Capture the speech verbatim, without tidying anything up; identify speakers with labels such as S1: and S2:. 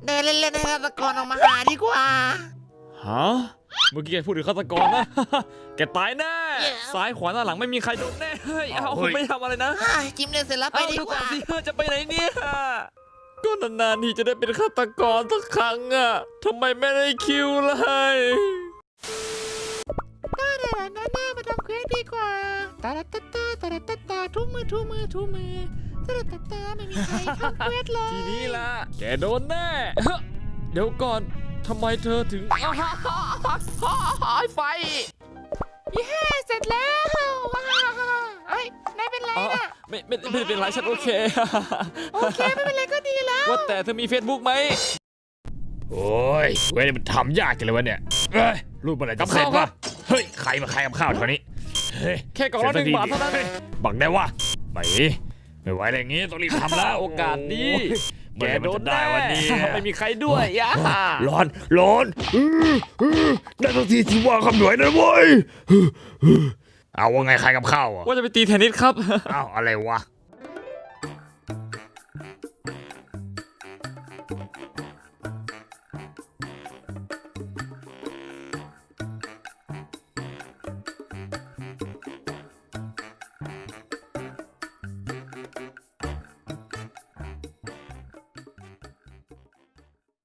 S1: เดินเล่นๆให้ฆาตกรออกมาหาดีกว่า
S2: ฮะเมื่อกี้แกพูดถึงฆาตกรนะ แกตายแน่ซ้ายขวาหน้าหลังไม่มีใครโดนแน่เฮ้ยเอาผมไม่ทำอะไรนะ
S1: จิ้มเล่นเสร็จแล้วไปดีกว่า
S2: สิจะไปไหนเนี่ยก็นานๆทีจะได้เป็นฆาตกรสักครั้งอะทำไมไม่ได้คิวเลย
S1: ตาดาหน้าหน้ามาทำเควสดีกว่าตาตาตาตาตาตาตาทุมือทุมือทุมือตาตาตาไม่มีใครทำเควสเลย
S2: ทีนี้ล่ะแกโดนแน่เดี๋ยวก่อนทำไมเธอถึง
S1: ไฟยี่ห้าเสร็จแล้วเฮ้ยนายเป็นไรน่ะ
S2: ไม่ไม่ไม่เป็นไรฉันโอเค
S1: โอเคไม่เป็นไรก็ดีแล้ว
S2: ว่าแต่เธอมี Facebook ไหมโอ้ยเว้ยมันทำยากจังเลยวะเนี่ยเอ้ยรูปอะไรจะเสร็จวะเฮ้ยใครมาใครกับข้าวเท่านี้แค่กล่องละหนึ่งบาทเท่านั้นบังได้วะไม่ไม่ไหวอะไรอย่างงี้ต้องรีบทำแล้วโอกาสดีแกโดนได้วันนี้ไม่มีใครด้วยย่า
S3: ร้อนร้อนได้ทันทีที่ว่าคำหน่วยนะเว้ยเอาว่าไงใครกับข้าวอ่ะ
S2: ว่าจะไปตีเทนนิสครับ
S3: อ้าวอะไรวะ